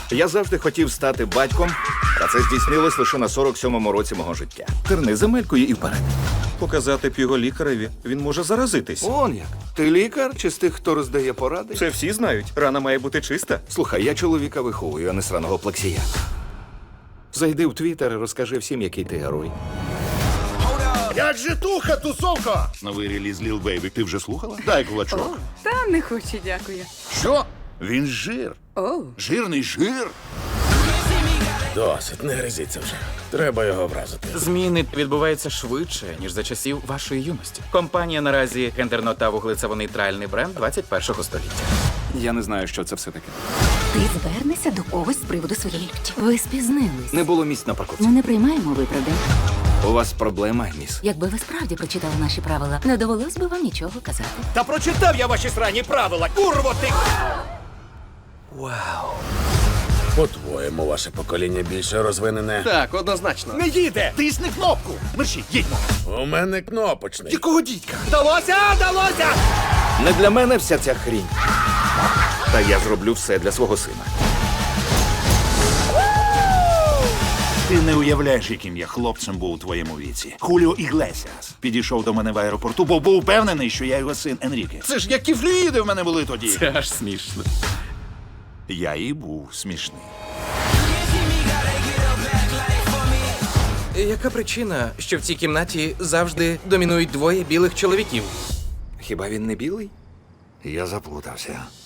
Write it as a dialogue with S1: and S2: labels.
S1: Я завжди хотів стати батьком, а це здійснилось лише на 47-му році мого життя. Терни земелькою і вперед.
S2: Показати б його лікареві. Він може заразитись.
S1: Он як. Ти лікар чи з тих, хто роздає поради?
S2: Це всі знають. Рана має бути чиста.
S1: Слухай, я чоловіка виховую, а не сраного плексія. Зайди в Твіттер і розкажи всім, який ти герой.
S3: Як же туха, тусовка? Новий реліз Lil Baby. Ти вже слухала? Дай кулачок.
S4: Та не хочу, дякую.
S3: Що? Він жир.
S4: Оу.
S3: Жирний жир.
S5: Досить, не гризіться вже. Треба його вразити.
S6: Зміни відбуваються швидше, ніж за часів вашої юності. Компанія наразі гендерно та вуглецево-нейтральний бренд 21-го століття.
S1: Я не знаю, що це все таке.
S7: Ти звернешся до когось з приводу своєї люті. Ви спізнились.
S1: Не було місць на парковці.
S7: Ми не приймаємо виправдань.
S1: У вас проблема, міс.
S7: Якби ви справді прочитали наші правила, не довелось би вам нічого казати.
S5: Та прочитав я ваші срані правила, курво ти! По-твоєму, ваше покоління більше розвинене.
S8: Так, однозначно.
S5: Не їде!
S3: Тисни кнопку. Мерші, їдьмо.
S5: У мене кнопочний.
S3: Якого дідька?
S5: Вдалося! Вдалося!
S1: Не для мене вся ця хрінь. Та я зроблю все для свого сина.
S3: Ти не уявляєш, яким я хлопцем був у твоєму віці. Хуліо Іглесіас підійшов до мене в аеропорту, бо був впевнений, що я його син Енріке. Це ж які флюїди в мене були тоді.
S6: Це аж смішно.
S3: Я і був смішний.
S8: Яка причина, що в цій кімнаті завжди домінують двоє білих чоловіків?
S1: Хіба він не білий? Я заплутався.